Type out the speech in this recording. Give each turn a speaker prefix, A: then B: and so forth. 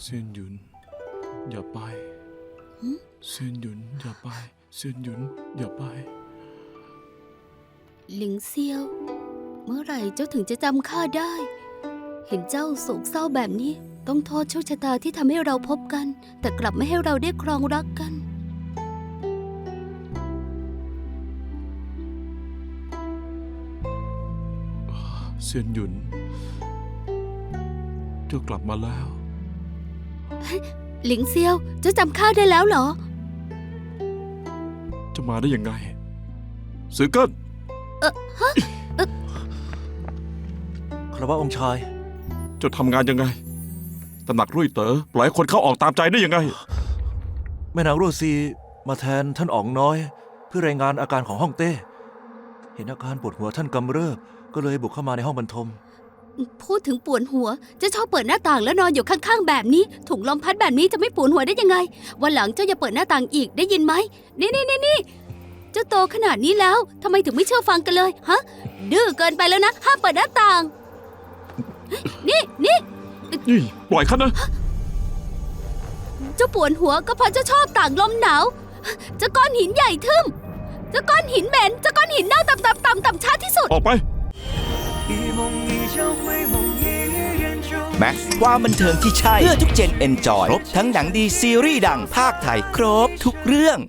A: เซียนหยุนอย่าไปเซียนหยุนอย่าไปเซียนหยุนอย่าไป
B: หลิงเซียวเมื่อไหร่เจ้าถึงจะจำข้าได้ เห็นเจ้าโศกเศร้าแบบนี้ต้องโทษโชคชะตาที่ทำให้เราพบกัน แต่กลับไม่ให้เราได้ครองรักกัน
A: เซียนหยุนเจ้ากลับมาแล้ว
B: หลิงเซียวเจ้าจำข้าได้แล้วเหรอ
A: จะมาได้ยังไงสือเกิ้น
C: คารวะองค์ชาย
A: เจ้าทำงานยังไงตำหนักรุ่ยเต๋อปล่อยให้คนเข้าออกตามใจได้ยังไง
C: แม่นางรั่วซีมาแทนท่านอ๋องน้อย เพื่อรายงานอาการของฮ่องเต้ เห็นอาการปวดหัวท่านกำเริบก็เลยบุกเข้ามาในห้องบรรทม
B: พูดถึงปวดหัวจะชอบเปิดหน้าต่างแล้วนอนอยู่ข้างๆแบบนี้ถุงลมพัดแบบนี้จะไม่ปวดหัวได้ยังไงวันหลังเจ้าอย่าเปิดหน้าต่างอีกได้ยินไหมนี่เจ้าโตขนาดนี้แล้วทำไมถึงไม่เชื่อฟังกันเลยฮะดื้อเกินไปแล้วนะห้ามเปิดหน้าต่างนี่
A: นี่ปล่อยข้านะ
B: เจ้าปวดหัวก็เพราะเจ้าชอบต่างลมหนาวเจ้าก้อนหินใหญ่ทึมเจ้าก้อนหินเหม็นเจ้าก้อนหินเน่าต่ำช้าที่สุด
A: ออกไป
D: แม็กซ์ความบันเทิงที่ใช่เพื่อทุกเจนเอนจอยครบทั้งหนังดีซีรีส์ดังภาคไทยครบทุกเรื่อง